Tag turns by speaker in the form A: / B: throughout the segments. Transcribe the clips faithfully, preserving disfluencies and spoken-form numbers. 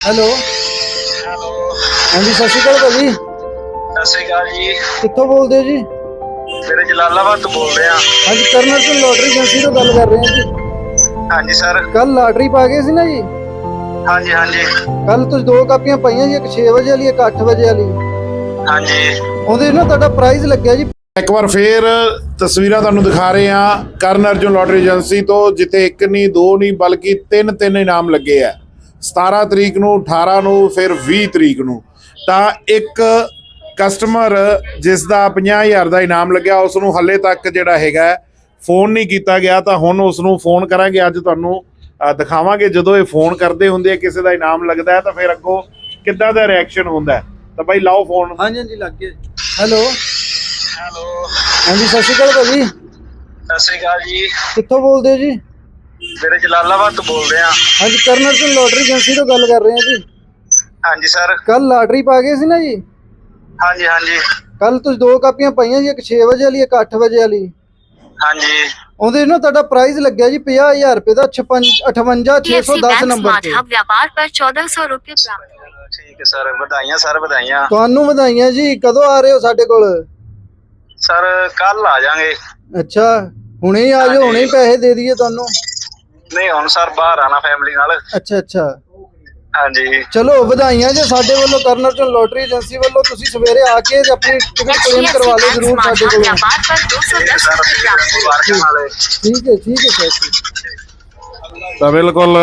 A: Hello
B: hello
A: ਹਾਂਜੀ ਸਤਿ ਸ਼੍ਰੀ ਅਕਾਲ ਭਾਜੀ।
B: ਸਤਿ ਸ਼੍ਰੀ ਅਕਾਲ ਜੀ।
A: ਕਿੱਥੋਂ ਬੋਲਦੇ ਹੋ ਜੀ?
B: ਮੇਰੇ ਜਲਾਲਾਬਾਦ ਤੋਂ ਬੋਲ ਰਹੇ ਹਾਂ।
A: ਹਾਂਜੀ ਕਰਨਲ ਸਿੰਘ ਲੋਟਰੀ ਏਜੰਸੀ ਤੋਂ ਗੱਲ ਕਰ ਰਹੇ ਹਾਂ ਜੀ।
B: ਹਾਂਜੀ ਸਰ।
A: ਕੱਲ ਲਾਟਰੀ ਪਾ ਗਏ ਸੀ ਨਾ ਜੀ?
B: ਹਾਂਜੀ ਹਾਂਜੀ
A: ਕੱਲ ਤੁਸੀਂ ਦੋ ਕਾਪੀਆਂ ਪਾਈਆਂ ਜੀ, ਇੱਕ ਛੇ ਵਜੇ ਵਾਲੀ ਇੱਕ ਅੱਠ ਵਜੇ ਵਾਲੀ।
B: ਹਾਂਜੀ
A: ਉਹਦੇ ਨਾ ਤੁਹਾਡਾ ਪ੍ਰਾਈਜ਼ ਲੱਗਿਆ ਜੀ।
C: ਇੱਕ ਵਾਰ ਫੇਰ ਤਸਵੀਰਾਂ ਤੁਹਾਨੂੰ ਦਿਖਾ ਰਹੇ ਹਾਂ ਕਰਨ ਅਰਜੁਨ ਲੋਟਰੀ ਏਜੰਸੀ ਤੋਂ, ਜਿੱਥੇ ਇੱਕ ਨਹੀਂ ਦੋ ਨਹੀਂ ਬਲਕਿ ਤਿੰਨ ਤਿੰਨ ਇਨਾਮ ਲੱਗੇ ਆ। ਸਤਾਰਾਂ ਤਰੀਕ ਨੂੰ, ਅਠਾਰਾਂ ਨੂੰ, ਫਿਰ ਵੀਹ ਤਰੀਕ ਨੂੰ। ਤਾਂ ਇੱਕ ਕਸਟਮਰ ਜਿਸ ਦਾ ਪੰਜਾਹ ਹਜ਼ਾਰ ਦਾ ਇਨਾਮ ਲੱਗਿਆ, ਉਸ ਨੂੰ ਹਾਲੇ ਤੱਕ ਜਿਹੜਾ ਹੈਗਾ ਫੋਨ ਨਹੀਂ ਕੀਤਾ ਗਿਆ। ਤਾਂ ਹੁਣ ਉਸ ਨੂੰ ਫੋਨ ਕਰਾਂਗੇ, ਅੱਜ ਤੁਹਾਨੂੰ ਦਿਖਾਵਾਂਗੇ ਜਦੋਂ ਇਹ ਫੋਨ ਕਰਦੇ ਹੁੰਦੇ ਆ ਕਿਸੇ ਦਾ ਇਨਾਮ ਲੱਗਦਾ ਹੈ ਤਾਂ ਫਿਰ ਅੱਗੋਂ ਕਿੱਦਾਂ ਦਾ ਰਿਐਕਸ਼ਨ ਹੁੰਦਾ। ਤਾਂ ਬਾਈ ਲਾਓ ਫੋਨ।
A: ਹਾਂਜੀ ਹਾਂਜੀ ਲੱਗ ਗਿਆ। ਹੈਲੋ
B: ਹੈਲੋ
A: ਹਾਂਜੀ ਸਤਿ ਸ਼੍ਰੀ ਅਕਾਲ ਭਾਜੀ।
B: ਸਤਿ ਸ਼੍ਰੀ ਅਕਾਲ ਜੀ।
A: ਕਿੱਥੋਂ ਬੋਲਦੇ ਹੋ ਜੀ?
B: ਮੇਰੇ ਜਲਾਲਾਬਾਦ ਤੋਂ ਬੋਲ ਰਹੇ ਹਾਂ।
A: ਹਾਂਜੀ ਕਰਨਲ ਸਿੰਘ ਲੋਟਰੀ ਏਜੰਸੀ ਤੋਂ ਗੱਲ ਕਰ ਰਹੇ ਹਾਂ ਜੀ।
B: ਹਾਂਜੀ ਸਰ।
A: ਕੱਲ ਲਾਟਰੀ ਪਾ ਗਏ ਸੀ ਨਾ ਜੀ?
B: ਹਾਂਜੀ ਹਾਂਜੀ
A: ਕੱਲ ਤੁਸੀਂ ਦੋ ਕਾਪੀਆਂ ਪਾਈਆਂ ਜੀ, ਇੱਕ ਛੇ ਵਜੇ ਵਾਲੀ ਇੱਕ ਅੱਠ ਵਜੇ ਵਾਲੀ।
B: ਹਾਂਜੀ
A: ਉਹਦੇ ਨਾ ਤੁਹਾਡਾ ਪ੍ਰਾਈਜ਼ ਲੱਗਿਆ ਜੀ ਪੰਜਾਹ ਹਜ਼ਾਰ ਰੁਪਏ ਦਾ, ਅਠਵੰਜਾ ਛੇ ਸੌ ਦਸ ਨੰਬਰ ਤੇ।
D: व्यापार पर चौदह सौ रूपए प्राप्त।
B: ਠੀਕ ਹੈ ਸਰ, ਵਧਾਈਆਂ ਸਰ, ਵਧਾਈਆਂ।
A: ਤੁਹਾਨੂੰ ਵਧਾਈਆਂ ਜੀ। ਕਦੋਂ ਆ ਰਹੇ ਹੋ ਸਾਡੇ ਕੋਲ?
B: ਸਰ ਕੱਲ ਆ ਜਾਾਂਗੇ।
A: ਅੱਛਾ ਹੁਣੇ ਹੀ ਆ ਜਾਓ, ਹੁਣੇ ਹੀ ਪੈਸੇ ਦੇ ਦਈਏ ਤੁਹਾਨੂੰ।
B: ਨਹੀਂ ਹੁਣ ਸਰ ਬਾਹਰ ਆਣਾ ਫੈਮਿਲੀ ਨਾਲ।
A: ਅੱਛਾ ਅੱਛਾ
B: ਹਾਂਜੀ
A: ਚਲੋ ਵਧਾਈਆਂ ਜੀ ਸਾਡੇ ਵੱਲੋਂ, ਕਰਨ ਅਰਜੁਨ ਲੋਟਰੀ ਏਜੰਸੀ ਵੱਲੋਂ। ਤੁਸੀਂ ਸਵੇਰੇ ਆ ਕੇ ਆਪਣੀ ਟਿਕਟ ਕਲੇਮ ਕਰਵਾ ਲਓ ਜ਼ਰੂਰ ਸਾਡੇ ਕੋਲੋਂ।
D: व्यापार पर दो सौ दस रूपए प्राप्त।
B: ਮੁਬਾਰਕਾਂ ਨਾਲੇ।
A: ਠੀਕ ਹੈ ਠੀਕ ਹੈ ਸਰ।
C: ਤਾਂ ਬਿਲਕੁਲ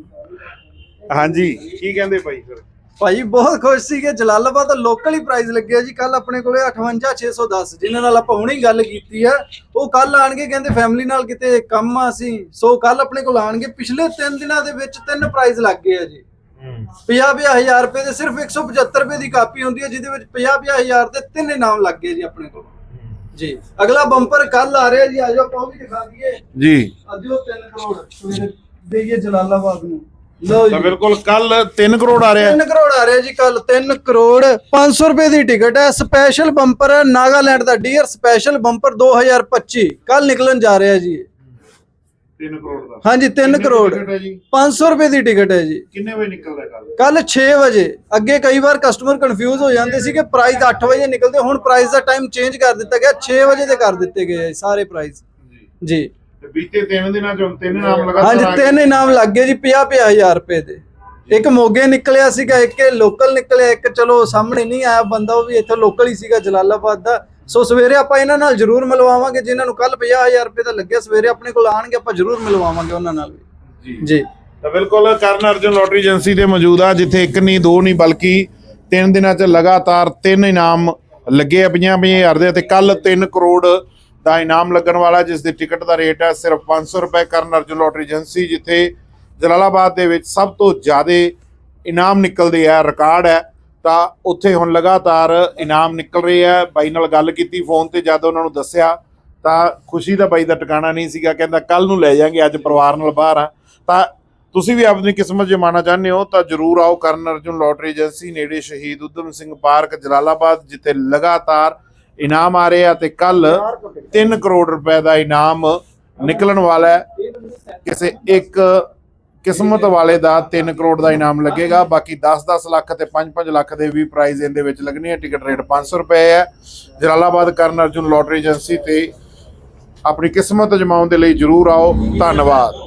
C: ਹਾਂਜੀ ਕੀ ਕਹਿੰਦੇ ਭਾਈ ਫਿਰ?
A: ਭਾਈ ਬਹੁਤ ਖੁਸ਼ ਸੀਗੇ। ਜਲਾਲਾਬਾਦ ਦਾ ਲੋਕਲ ਹੀ ਪ੍ਰਾਈਜ਼ ਲੱਗਿਆ ਜੀ ਕੱਲ ਆਪਣੇ ਕੋਲੇ ਅਠਵੰਜਾ ਛੇ ਸੌ ਦਸ, ਜਿਨ੍ਹਾਂ ਨਾਲ ਆਪਾਂ ਹੁਣੇ ਹੀ ਗੱਲ ਕੀਤੀ ਹੈ। ਉਹ ਕੱਲ ਆਣਗੇ, ਕਹਿੰਦੇ ਫੈਮਿਲੀ ਨਾਲ ਕਿਤੇ ਕੰਮ ਆ ਸੀ, ਸੋ ਕੱਲ ਆਪਣੇ ਕੋਲ ਆਣਗੇ। ਪਿਛਲੇ ਤਿੰਨ ਦਿਨਾਂ ਦੇ ਵਿੱਚ ਤਿੰਨ ਪ੍ਰਾਈਜ਼ ਲੱਗ ਗਏ ਆ ਜੀ। ਪੰਜਾਹ ਪੰਜਾਹ ਹਜ਼ਾਰ ਰੁਪਏ ਦੇ ਸਿਰਫ ਇੱਕ ਸੌ ਪਚੱਤਰ ਰੁਪਏ ਦੀ ਕਾਪੀ ਹੁੰਦੀ ਹੈ, ਜਿਹਦੇ ਵਿੱਚ ਪੰਜਾਹ ਪੰਜਾਹ ਹਜ਼ਾਰ ਦੇ ਤਿੰਨ ਇਨਾਮ ਲੱਗ ਗਏ ਜੀ ਆਪਣੇ ਕੋਲ ਜੀ। ਅਗਲਾ ਬੰਪਰ ਕੱਲ ਆ ਰਿਹਾ ਜੀ, ਆਜੋ ਆਪਾਂ ਉਹ ਵੀ ਦਿਖਾ ਦਈਏ
C: ਜੀ।
A: ਅੱਜ ਉਹ ਤਿੰਨ ਕਰੋੜ ਸਵੇਰੇ ਦੇਈਏ ਜਲਾਲਾਬਾਦ ਨੂੰ। ਲਓ
C: ਤਾਂ
A: ਜੀ
C: ਬਿਲਕੁਲ ਕੱਲ ਤਿੰਨ ਕਰੋੜ ਆ ਰਿਹਾ।
A: ਤਿੰਨ ਕਰੋੜ ਆ ਰਿਹਾ ਜੀ ਕੱਲ। ਤਿੰਨ ਕਰੋੜ ਪੰਜ ਸੌ ਰੁਪਏ ਦੀ ਟਿਕਟ ਹੈ। ਸਪੈਸ਼ਲ ਬੰਪਰ ਹੈ ਨਾਗਾਲੈਂਡ ਦਾ, ਡੀਅਰ ਸਪੈਸ਼ਲ ਬੰਪਰ ਦੋ ਹਜ਼ਾਰ ਪੱਚੀ ਕੱਲ ਨਿਕਲਣ ਜਾ ਰਿਹਾ ਜੀ।
C: ਤਿੰਨ ਕਰੋੜ ਦਾ?
A: ਹਾਂਜੀ ਤਿੰਨ ਕਰੋੜ ਪੰਜ ਸੌ ਰੁਪਏ ਦੀ ਟਿਕਟ ਹੈ ਜੀ।
C: ਕਿੰਨੇ ਵਜੇ ਨਿਕਲਦਾ ਕੱਲ?
A: ਕੱਲ ਛੇ ਵਜੇ। ਅੱਗੇ ਕਈ ਵਾਰ ਕਸਟਮਰ ਕਨਫਿਊਜ਼ ਹੋ ਜਾਂਦੇ ਸੀ ਕਿ ਪ੍ਰਾਈਸ ਅੱਠ ਵਜੇ ਨਿਕਲਦੇ, ਹੁਣ ਪ੍ਰਾਈਸ ਦਾ ਟਾਈਮ ਚੇਂਜ ਕਰ ਦਿੱਤਾ ਗਿਆ, ਛੇ ਵਜੇ ਦੇ ਕਰ ਦਿੱਤੇ ਗਏ ਆ ਸਾਰੇ ਪ੍ਰਾਈਸ ਜੀ।
C: ਬੀਤੇ ਤਿੰਨ ਦਿਨਾਂ ਚੋਂ ਤਿੰਨ ਇਨਾਮ ਲਗਾਤਾਰ?
A: ਹਾਂਜੀ ਤਿੰਨ ਇਨਾਮ ਲੱਗ ਗਏ ਜੀ ਪੰਜਾਹ ਪੰਜਾਹ ਹਜ਼ਾਰ ਰੁਪਏ ਦੇ। ਇੱਕ ਮੋਗੇ ਨਿਕਲਿਆ ਸੀਗਾ, ਇੱਕ ਲੋਕਲ ਨਿਕਲਿਆ, ਇੱਕ ਚਲੋ ਸਾਹਮਣੇ ਨਹੀਂ ਆਇਆ ਬੰਦਾ, ਉਹ ਵੀ ਇੱਥੋਂ ਲੋਕਲ ਹੀ ਸੀਗਾ ਜਲਾਲਾਬਾਦ ਦਾ। ਸੋ ਸਵੇਰੇ ਆਪਾਂ ਇਹਨਾਂ ਨਾਲ ਜ਼ਰੂਰ ਮਿਲਵਾਵਾਂਗੇ, ਜਿਨ੍ਹਾਂ ਨੂੰ ਕੱਲ ਪੰਜਾਹ ਹਜ਼ਾਰ ਰੁਪਏ ਦਾ ਲੱਗਿਆ। ਸਵੇਰੇ ਆਪਣੇ ਕੋਲ ਆਣਗੇ, ਆਪਾਂ ਜ਼ਰੂਰ ਮਿਲਵਾਵਾਂਗੇ ਉਹਨਾਂ ਨਾਲ ਵੀ ਜੀ।
C: ਤਾਂ ਬਿਲਕੁਲ ਕਰਨ ਅਰਜੁਨ ਲੋਟਰੀ ਏਜੰਸੀ ਤੇ ਮੌਜੂਦ ਆ, ਜਿੱਥੇ ਇੱਕ ਨਹੀਂ ਦੋ ਨਹੀਂ ਬਲਕਿ ਤਿੰਨ ਦਿਨਾਂ 'ਚ ਲਗਾਤਾਰ ਤਿੰਨ ਇਨਾਮ ਲੱਗੇ ਆ ਪੰਜਾਹ ਪੰਜਾਹ ਹਜ਼ਾਰ ਦੇ। ਅਤੇ ਕੱਲ ਤਿੰਨ ਕਰੋੜ ਦਾ ਇਨਾਮ ਲੱਗਣ ਵਾਲਾ, ਜਿਸ ਦੀ ਟਿਕਟ ਦਾ ਰੇਟ ਹੈ ਸਿਰਫ ਪੰਜ ਸੌ ਰੁਪਏ। ਕਰਨ ਅਰਜੁਨ ਲੋਟਰੀ ਏਜੰਸੀ, ਜਿੱਥੇ ਜਲਾਲਾਬਾਦ ਦੇ ਵਿੱਚ ਸਭ ਤੋਂ ਜ਼ਿਆਦਾ ਇਨਾਮ ਨਿਕਲਦੇ ਆ, ਰਿਕਾਰਡ ਹੈ। ਤਾਂ ਉੱਥੇ ਹੁਣ ਲਗਾਤਾਰ ਇਨਾਮ ਨਿਕਲ ਰਹੇ ਆ। ਬਾਈ ਨਾਲ ਗੱਲ ਕੀਤੀ ਫੋਨ ਤੇ, ਜਦ ਉਹਨਾਂ ਨੂੰ ਦੱਸਿਆ ਤਾਂ ਖੁਸ਼ੀ ਦਾ ਬਾਈ ਦਾ ਟਿਕਾਣਾ ਨਹੀਂ ਸੀਗਾ। ਕਹਿੰਦਾ ਕੱਲ ਨੂੰ ਲੈ ਜਾਾਂਗੇ, ਅੱਜ ਪਰਿਵਾਰ ਨਾਲ ਬਾਹਰ ਆ। ਤਾਂ ਤੁਸੀਂ ਵੀ ਆਪਣੀ ਕਿਸਮਤ ਜਮਾਉਣਾ ਚਾਹੁੰਦੇ ਹੋ ਤਾਂ ਜ਼ਰੂਰ ਆਓ ਕਰਨ ਅਰਜੁਨ ਲੋਟਰੀ ਏਜੰਸੀ, ਨੇੜੇ ਸ਼ਹੀਦ ਊਧਮ ਸਿੰਘ ਪਾਰਕ ਜਲਾਲਾਬਾਦ, ਜਿੱਥੇ ਲਗਾਤਾਰ ਇਨਾਮ ਆ ਰਹੇ ਆ। ਤੇ ਕੱਲ ਤਿੰਨ ਕਰੋੜ ਰੁਪਏ ਦਾ ਇਨਾਮ ਨਿਕਲਣ ਵਾਲਾ ਹੈ। ਕਿਸੇ ਇੱਕ ਕਿਸਮਤ ਵਾਲੇ ਦਾ ਤਿੰਨ ਕਰੋੜ ਦਾ ਇਨਾਮ ਲੱਗੇਗਾ। ਬਾਕੀ ਦਸ ਦਸ ਲੱਖ ਤੇ ਪੰਜ ਪੰਜ ਲੱਖ ਦੇ ਵੀ ਪ੍ਰਾਈਜ਼ ਇਹਦੇ ਵਿੱਚ ਲੱਗਣੇ ਆ। ਟਿਕਟ ਰੇਟ ਪੰਜ ਸੌ ਰੁਪਏ ਹੈ। ਜਲਾਲਾਬਾਦ ਕਰਨ ਅਰਜੁਨ ਲੋਟਰੀ ਏਜੰਸੀ ਤੇ ਆਪਣੀ ਕਿਸਮਤ ਜਮਾਉਣ ਦੇ ਲਈ ਜ਼ਰੂਰ ਆਓ। ਧੰਨਵਾਦ।